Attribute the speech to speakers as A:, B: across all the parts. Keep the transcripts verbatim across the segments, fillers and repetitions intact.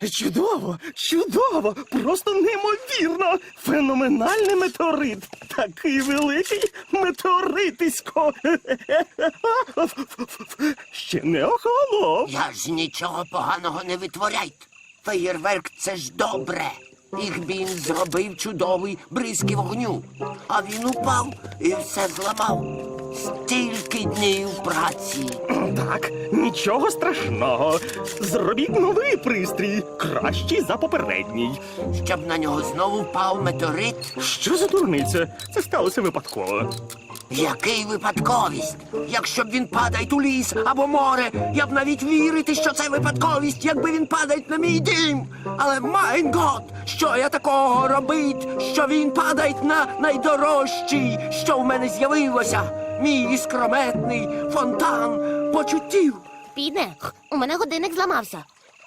A: Чудово, чудово, просто неймовірно. Феноменальний метеорит. Такий великий метеоритисько. Ще не охолонув.
B: Я ж нічого поганого не витворяйте. Феєрверк – це ж добре. Їх він зробив чудовий бризки вогню. А він упав і все зламав. Стільки днів праці.
A: Так, нічого страшного. Зробіть новий пристрій, кращий за попередній.
B: Щоб на нього знову впав метеорит.
A: Що за дурниця? Це сталося випадково.
B: Який випадковість? Якщо б він падає у ліс або море, я б навіть вірити, що це випадковість, якби він падає на мій дім. Але, майн гот, що я такого робить, що він падає на найдорожчий, що в мене з'явилося? Мій іскрометний фонтан почуттів.
C: Піде, у мене годинник зламався.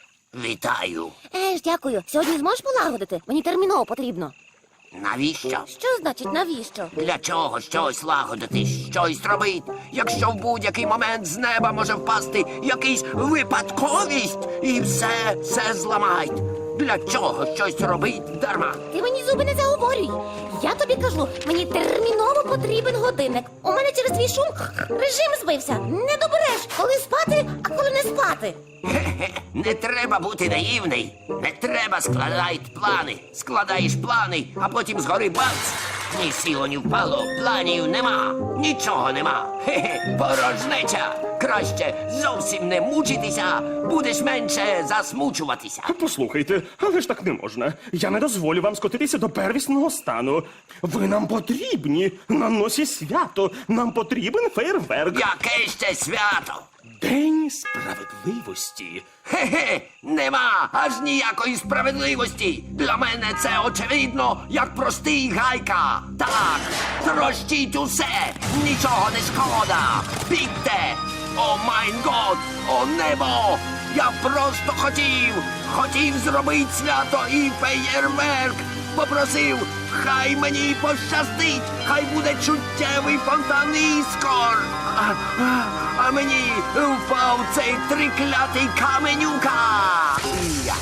B: Вітаю.
C: Е ж, дякую. Сьогодні зможеш полагодити? Мені терміново потрібно.
B: Навіщо?
C: Що значить навіщо?
B: Для чого щось лагодити, щось робить, якщо в будь-який момент з неба може впасти якийсь випадковість і все, все зламають. Для чого щось робить дарма?
C: Ти мені зуби не заговорюй. Я тобі кажу, мені терміново потрібен годинник. У мене через твій шум режим збився. Не добереш, коли спати, а коли не спати.
B: Хе-хе, не треба бути наївний. Не треба складати плани. Складаєш плани, а потім згори бац. Ні сіло, ні впало, планів нема. Нічого нема. Хе-хе, порожнеча. Краще зовсім не мучитися, будеш менше засмучуватися.
A: Послухайте, але ж так не можна. Я не дозволю вам скотитися до первісного стану. Ви нам потрібні. На носі свято. Нам потрібен фейерверк.
B: Яке ще свято?
A: День справедливості.
B: Хе-хе, нема аж ніякої справедливості. Для мене це очевидно, як простий гайка. Так, трощіть усе, нічого не шкода. Бігте! О майн год, о небо! Я просто хотів, хотів зробити свято і феєрверк. Попросив, хай мені пощастить, хай буде чуттєвий фонтан іскор. А, а, а мені впав цей триклятий каменюка. Я.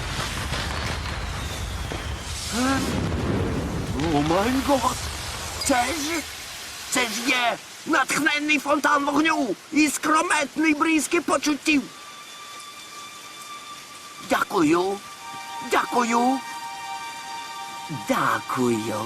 B: Е? О май гот! Це ж, це ж є натхненний фонтан вогню і скрометний бризки почуттів. Дякую, дякую, дякую.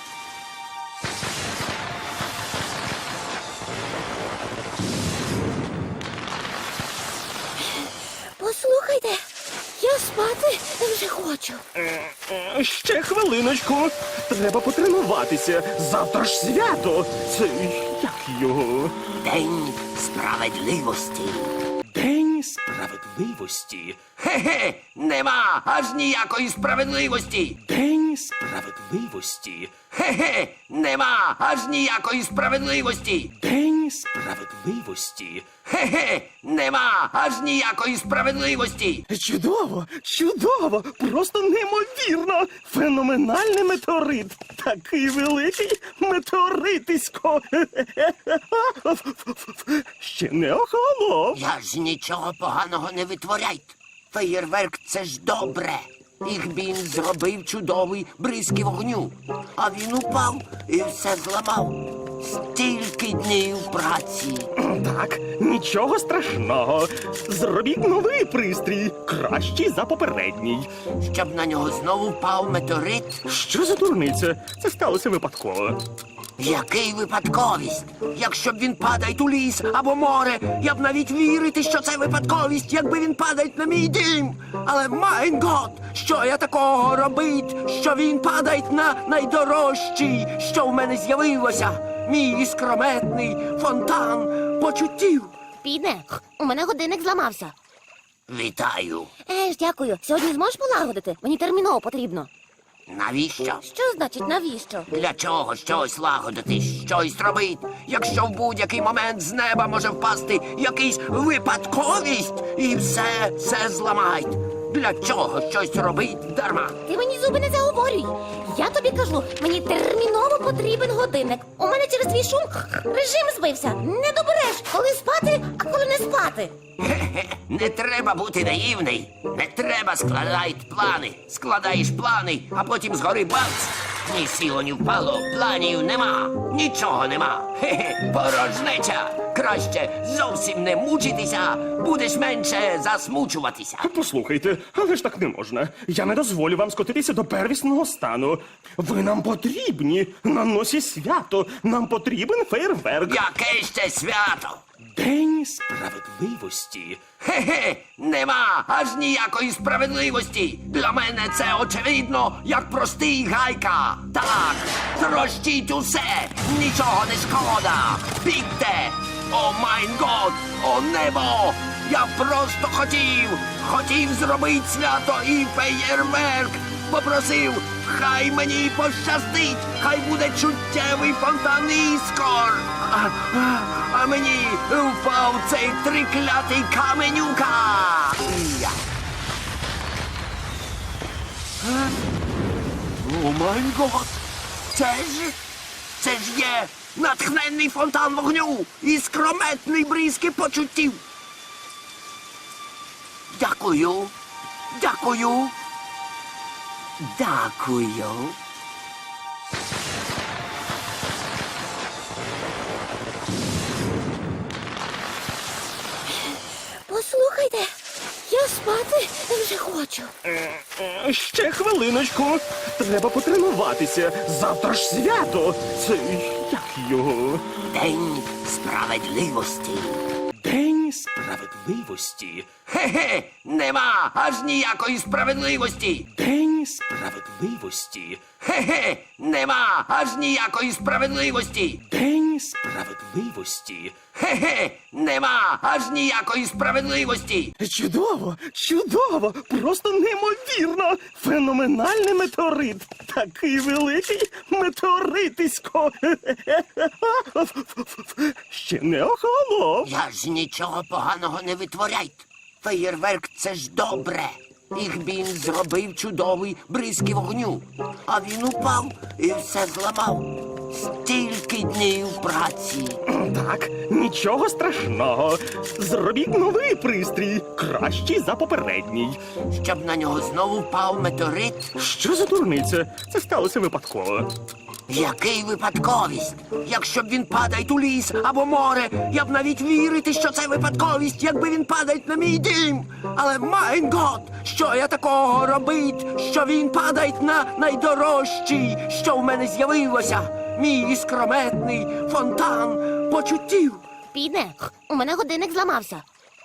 C: Послухайте, я спати вже хочу.
A: Е, Ще хвилиночку. Треба потренуватися. Завтра ж свято. Це як його?
B: День справедливості.
A: День справедливості.
B: Хе-хе, нема аж ніякої справедливості.
A: День справедливості.
B: Хе-хе, нема аж ніякої справедливості.
A: День справедливості.
B: Хе-хе, нема аж ніякої справедливості.
A: Чудово, чудово, просто неймовірно. Феноменальний метеорит. Такий великий метеоритисько. Ще не охолонув.
B: Я ж нічого поганого не витворяйте. Феєрверк – це ж добре. Їх він зробив чудовий бризки вогню. А він упав і все зламав. Стільки днів праці.
A: Так, нічого страшного. Зробіть новий пристрій, кращий за попередній.
B: Щоб на нього знову впав метеорит.
A: Що за дурниця? Це сталося випадково.
B: Який випадковість? Якщо б він падає у ліс або море, я б навіть вірити, що це випадковість, якби він падає на мій дім. Але, майн гот, що я такого робить, що він падає на найдорожчий, що в мене з'явилося? Мій іскрометний фонтан почуттів.
C: Піде, у мене годинник зламався.
B: Вітаю.
C: Е ж, дякую. Сьогодні зможеш полагодити? Мені терміново потрібно.
B: Навіщо?
C: Що значить навіщо?
B: Для чого щось лагодити, щось робить, якщо в будь-який момент з неба може впасти якийсь випадковість і все, все зламають. Для чого щось робить дарма?
C: Ти мені зуби не заговорюй. Я тобі кажу, мені терміново потрібен годинник. У мене через твій шум режим збився. Не добереш, коли спати, а коли не спати. спати.
B: Хе-хе, не треба бути наївний. Не треба складати плани. Складаєш плани, а потім згори бац. Ні сіло, ні впало, планів нема, нічого нема. Хе-хе, порожнеча. Краще зовсім не мучитися, будеш менше засмучуватися.
A: Послухайте, але ж так не можна. Я не дозволю вам скотитися до первісного стану. Ви нам потрібні на носі свято. Нам потрібен фейерверк.
B: Яке ще свято?
A: День справедливості.
B: Хе-хе, нема аж ніякої справедливості. Для мене це очевидно, як простий гайка. Так, трощіть усе, нічого не шкода. Бігте! О майн год, о небо! Я просто хотів, хотів зробити свято і феєрверк. Попросив, хай мені пощастить, хай буде чуттєвий фонтан іскор. А, а, а мені впав цей триклятий каменюка. Я. Е? О май гот! Це ж, це ж є натхненний фонтан вогню і скрометний бризки почуттів. Дякую, дякую, дякую.
C: Послухайте, я спати вже хочу.
A: Е, Ще хвилиночку. Треба потренуватися. Завтра ж свято. Це як його?
B: День справедливості.
A: День справедливості.
B: Хе-хе, нема аж ніякої справедливості.
A: День справедливості.
B: Хе-хе, нема аж ніякої справедливості.
A: День справедливості.
B: Хе-хе, нема аж ніякої справедливості.
A: Чудово, чудово, просто неймовірно. Феноменальний метеорит. Такий великий метеоритисько. Ще не охолонув.
B: Я ж нічого поганого не витворяйте. Феєрверк — це ж добре. Їх він зробив чудовий бризки вогню. А він упав і все зламав. Стільки днів праці.
A: Так, нічого страшного. Зробіть новий пристрій, кращий за попередній.
B: Щоб на нього знову впав метеорит.
A: Що за дурниця? Це сталося випадково.
B: Який випадковість? Якщо б він падає у ліс або море, я б навіть вірити, що це випадковість, якби він падає на мій дім. Але майн гот, що я такого робить, що він падає на найдорожчий, що в мене з'явилося. Мій іскрометний фонтан почуттів.
C: Підне, у мене годинник зламався.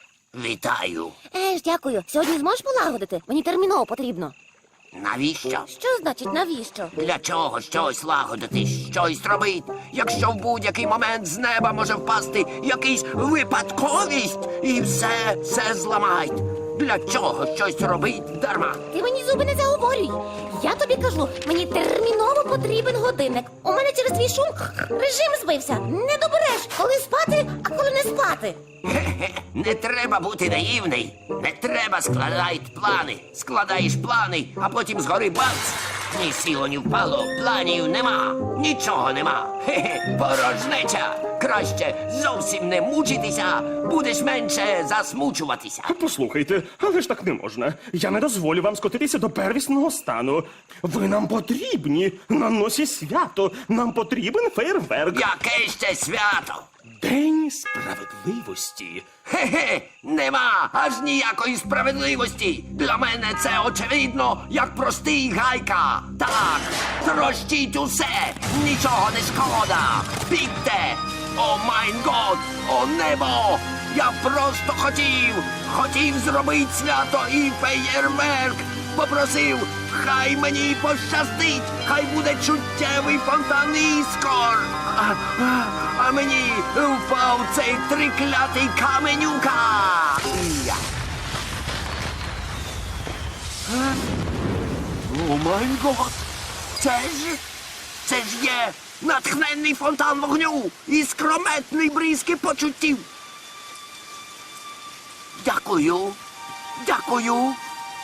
B: Вітаю.
C: Е ж, дякую. Сьогодні зможеш полагодити? Мені терміново потрібно.
B: Навіщо?
C: Що значить навіщо?
B: Для чого щось лагодити, щось робить, якщо в будь-який момент з неба може впасти якийсь випадковість і все, все зламають. Для чого щось робить дарма?
C: Ти мені зуби не заговорюй. Я тобі кажу, мені терміново потрібен годинник. У мене через твій шум режим збився. Не добереш, коли спати, а коли не спати.
B: Хе-хе, не треба бути наївний. Не треба складати плани. Складаєш плани, а потім згори бац. Ні сіло, ні впало, планів нема, нічого нема. Хе-хе, порожнеча. Краще зовсім не мучитися, будеш менше засмучуватися.
A: Послухайте, але ж так не можна. Я не дозволю вам скотитися до первісного стану. Ви нам потрібні на носі свято. Нам потрібен фейерверк.
B: Яке ще свято?
A: День справедливості.
B: Хе-хе, нема аж ніякої справедливості. Для мене це очевидно, як простий гайка. Так, трощіть усе, нічого не шкода. Бігте! О майн год, о небо! Я просто хотів, хотів зробити свято і феєрверк. Попросив, хай мені пощастить, хай буде чуттєвий фонтан іскор. А, а, а мені впав цей триклятий каменюка. Я. Е? О май гот! Це ж, це ж є натхненний фонтан вогню і скрометний бризки почуттів. Дякую, дякую,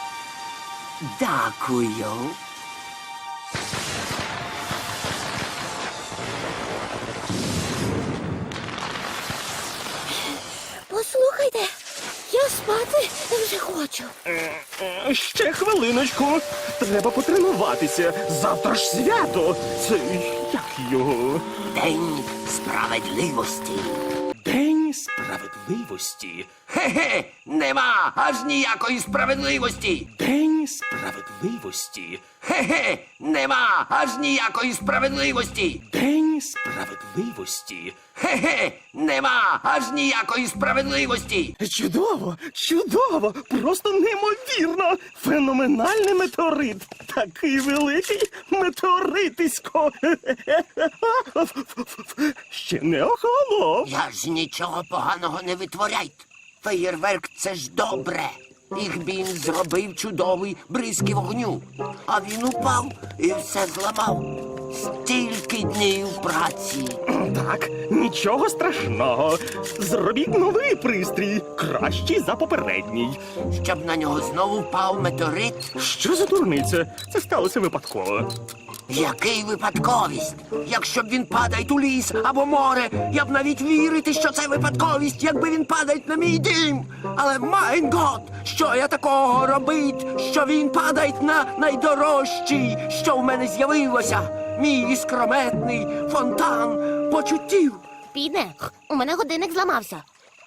B: дякую.
C: Послухайте, Я спати вже хочу.
A: Е, Ще хвилиночку. Треба потренуватися. Завтра ж свято. Це як його?
B: День справедливості.
A: День справедливості.
B: Хе-хе, нема аж ніякої справедливості.
A: День справедливості.
B: Хе-хе, нема аж ніякої справедливості.
A: День справедливості.
B: Хе-хе, нема аж ніякої справедливості.
A: Чудово, чудово, просто неймовірно. Феноменальний метеорит. Такий великий метеоритисько. Ще не охолонув.
B: Я ж нічого поганого не витворяйте. Феєрверк — це ж добре. Їх він зробив чудовий бризки вогню. А він упав і все зламав. Стільки днів праці.
A: Так, нічого страшного. Зробіть новий пристрій, кращий за попередній.
B: Щоб на нього знову впав метеорит.
A: Що за дурниця? Це сталося випадково.
B: Який випадковість? Якщо б він падає у ліс або море, я б навіть вірити, що це випадковість, якби він падає на мій дім. Але майн гот, що я такого робить, що він падає на найдорожчий, що в мене з'явилося. Мій іскрометний фонтан почуттів.
C: Підне, у мене годинник зламався.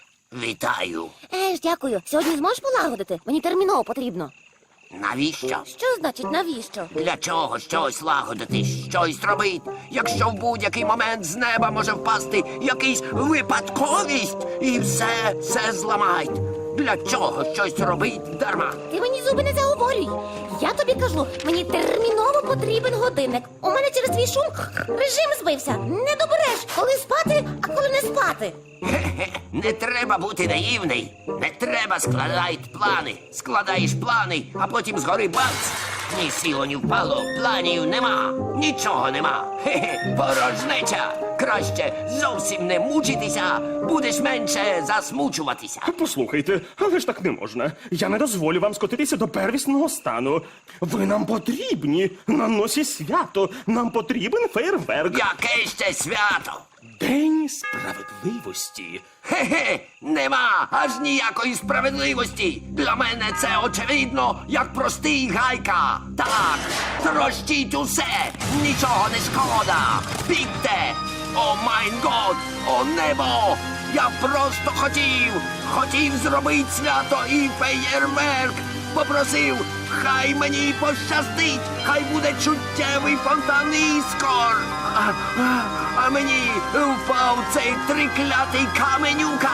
B: Вітаю.
C: Е ж, дякую. Сьогодні зможеш полагодити? Мені терміново потрібно.
B: Навіщо?
C: Що значить навіщо?
B: Для чого щось лагодити, щось робити, якщо в будь-який момент з неба може впасти якийсь випадковість і все, все зламають. Для чого щось робить дарма?
C: Ти мені зуби не заговорюй. Я тобі кажу, мені терміново потрібен годинник. У мене через твій шум режим збився. Не добереш, коли спати, а коли не спати.
B: Хе-хе, не треба бути наївний. Не треба складати плани. Складаєш плани, а потім згори бац. Ні сіло, ні впало, планів нема, нічого нема. Хе-хе, порожнеча. Краще зовсім не мучитися, будеш менше засмучуватися.
A: Послухайте, але ж так не можна. Я не дозволю вам скотитися до первісного стану. Ви нам потрібні. На носі свято. Нам потрібен фейерверк.
B: Яке ще свято?
A: День справедливості.
B: Хе-хе, нема аж ніякої справедливості. Для мене це очевидно, як простий гайка. Так, трощіть усе, нічого не шкода. Бігте! О майн год, о небо! Я просто хотів, хотів зробити свято і феєрверк. Попросив, хай мені пощастить, хай буде чуттєвий фонтан іскор. А, а, а мені впав цей триклятий каменюка.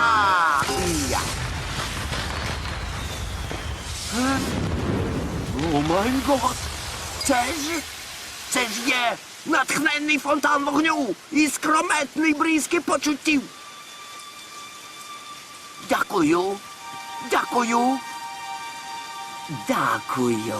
B: Я. Е? О май гот! Це ж, це ж є натхненний фонтан вогню і скрометний бризки почуттів. Дякую, дякую. Дякую.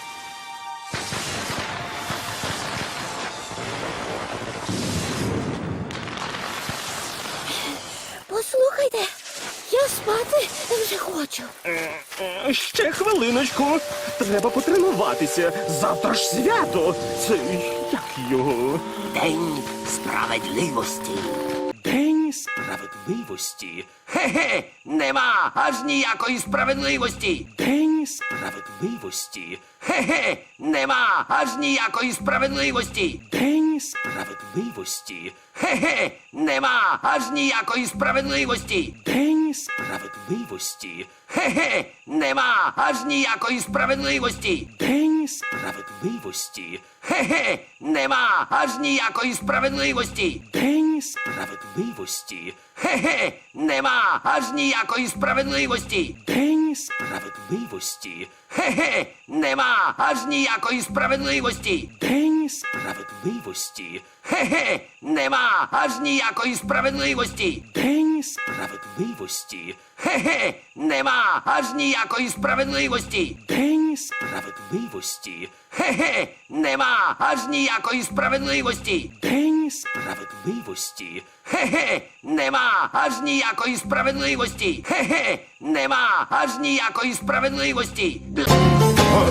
C: Послухайте, я спати вже хочу.
A: Е, Ще хвилиночку. Треба потренуватися. Завтра ж свято. Це як його?
B: День справедливості.
A: День справедливості.
B: Хе-хе, нема аж ніякої справедливості.
A: День справедливості.
B: Хе-хе, нема аж ніякої справедливості.
A: День справедливості.
B: Хе-хе, нема аж ніякої справедливості.
A: День справедливості.
B: Хе-хе, нема аж ніякої справедливості.
A: День справедливості.
B: Хе-хе, нема аж ніякої справедливості.
A: День справедливості.
B: Хе-хе, нема аж ніякої справедливості.
A: День справедливості.
B: Хе-хе, нема аж ніякої справедливості.
A: День справедливості.
B: Хе-хе, нема аж ніякої справедливості.
A: День справедливості.
B: Хе-хе, нема аж ніякої справедливості.
A: День справедливості.
B: Хе-хе, нема аж ніякої справедливості.
A: День справедливості.
B: Хе-хе, нема аж ніякої справедливості. Хе-хе, нема аж ніякої справедливості.
A: О,